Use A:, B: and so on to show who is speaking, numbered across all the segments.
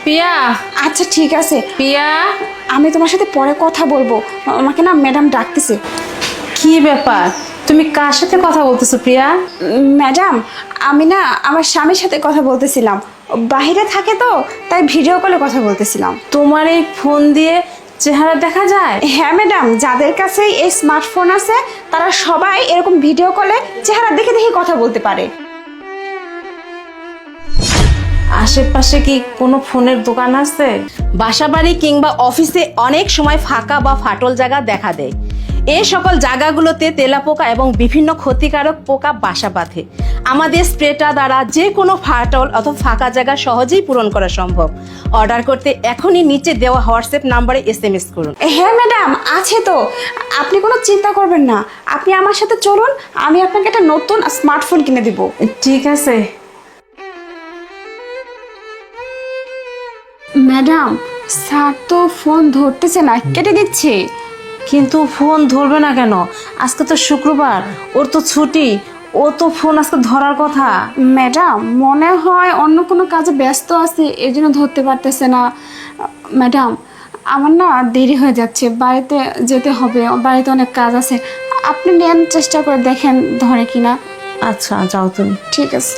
A: পিয়া।
B: আচ্ছা ঠিক আছে
A: পিয়া,
B: আমি তোমার সাথে পরে কথা বলবো, আমাকে না ম্যাডাম ডাকতেছে।
A: কি ব্যাপার, তুমি কার সাথে কথা বলতেছো প্রিয়া?
B: ম্যাডাম আমি না আমার স্বামীর সাথে কথা বলতেছিলাম, বাইরে থাকে তো তাই ভিডিও কলে কথা বলতেছিলাম।
A: তোমার এই ফোন দিয়ে চেহারা দেখা যায়?
B: হ্যাঁ ম্যাডাম, যাদের কাছে এই স্মার্টফোন আছে তারা সবাই এরকম ভিডিও কলে চেহারা দেখে দেখে কথা বলতে পারে।
A: আশেপাশে কি কোনো ফোনের দোকান আছে?
C: বাসাবাড়ি কিংবা অফিসে অনেক সময় ফাঁকা বা ফাটল জায়গা দেখা দেয়। এই সকল জায়গাগুলোতে তেলাপোকা এবং বিভিন্ন ক্ষতিকারক পোকা বাসা বাঁধে। আমাদের স্প্রেটা দ্বারা যে কোনো ফাটল অথবা ফাঁকা জায়গা সহজেই পূরণ করা সম্ভব। অর্ডার করতে এখনই নিচে দেওয়া হোয়াটসঅ্যাপ নাম্বারে SMS করুন।
B: হ্যাঁ ম্যাডাম আছে তো, আপনি কোনো চিন্তা করবেন না, আপনি আমার সাথে চলুন, আমি আপনাকে একটা নতুন স্মার্টফোন কিনে দিব।
A: ঠিক আছে।
B: ম্যাডাম স্যার তো ফোন ধরতেছে না, কেটে দিচ্ছে।
A: কিন্তু ফোন ধরবে না কেন? আজকে তো শুক্রবার, ওর তো ছুটি, ও তো ফোন আজকে ধরার কথা।
B: ম্যাডাম মনে হয় অন্য কোনো কাজে ব্যস্ত আছে এই জন্য ধরতে পারতেছে না। ম্যাডাম আমার না দেরি হয়ে যাচ্ছে, বাড়িতে যেতে হবে, বাড়িতে অনেক কাজ আছে, আপনি নেন, চেষ্টা করে দেখেন ধরে কিনা।
A: আচ্ছা যাও তুমি।
B: ঠিক আছে।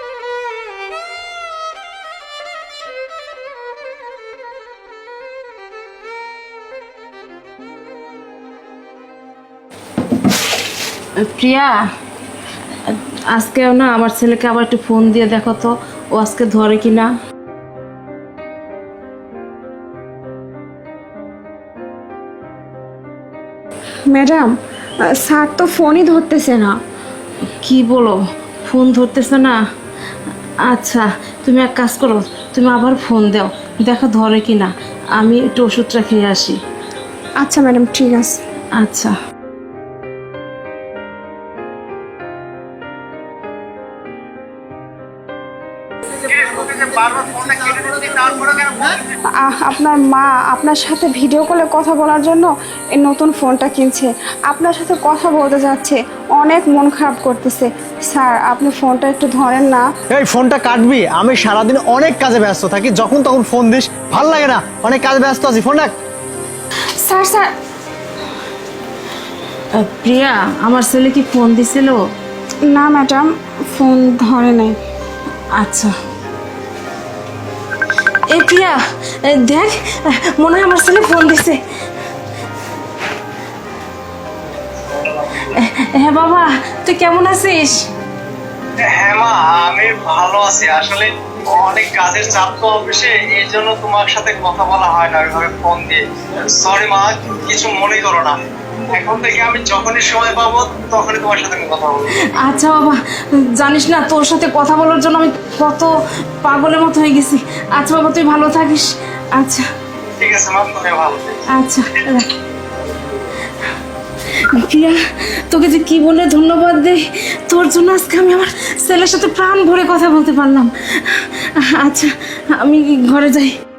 A: প্রিয়া, আজকেও না আমার ছেলেকে আবার একটু ফোন দিয়ে দেখো তো ও আজকে ধরে কিনা।
B: ম্যাডাম স্যার তো ফোনই ধরতেছে না।
A: কি বলো, ফোন ধরতেছে না? আচ্ছা তুমি এক কাজ করো, তুমি আবার ফোন দাও, দেখো ধরে কিনা, আমি একটু ওষুধটা খেয়ে আসি।
B: আচ্ছা ম্যাডাম ঠিক আছে।
A: আচ্ছা।
B: আপনার মা আপনার সাথে ভিডিও কলে কথা বলার জন্য এই নতুন ফোনটা কিনছে, আপনার সাথে কথা বলতে যাচ্ছে, অনেক মন খারাপ করতেছে। স্যার আপনি ফোনটা একটু ধরেন না।
D: এই ফোনটা কাটবি, আমি সারাদিন অনেক কাজে ব্যস্ত থাকি, যখন তখন ফোন দিস, ভাল লাগে না, অনেক কাজে ব্যস্ত আছি, ফোন রাখ।
B: স্যার স্যার
A: প্রিয়া, আমার ছেলে কি ফোন দিছিল?
B: না ম্যাডাম, ফোন ধরে নাই।
A: আচ্ছা। এই প্রিয়া, দেখ, মনে হয় আমার ছেলে ফোন দিছে। হ্যাঁ বাবা, তুই কেমন আছিস?
D: হ্যাঁ মা, আমি ভালো আছি। আসলে অনেক কাজের চাপ তো অফিসে, এই জন্য তোমার সাথে কথা বলা হয় না ওইভাবে ফোন দিয়ে। সরি মা, কিছু মনে করো না, এখন থেকে আমি যখনই সময় পাবো তখনই তোমার সাথে কথা বলবো।
A: আচ্ছা বাবা, জানিস না তোর সাথে কথা বলার জন্য আমি কত পাগলের মতো হয়ে গেছি। আচ্ছা বাবা, তুই ভালো থাকিস। আচ্ছা
D: ঠিক আছে মা, তুমি ভালো থেকো।
A: আচ্ছা। প্রিয়া, তোকে যে কি বলে ধন্যবাদ দেই, তোর জন্য আজকে আমি আমার ছেলের সাথে প্রাণ ভরে কথা বলতে পারলাম। আচ্ছা আমি ঘরে যাই।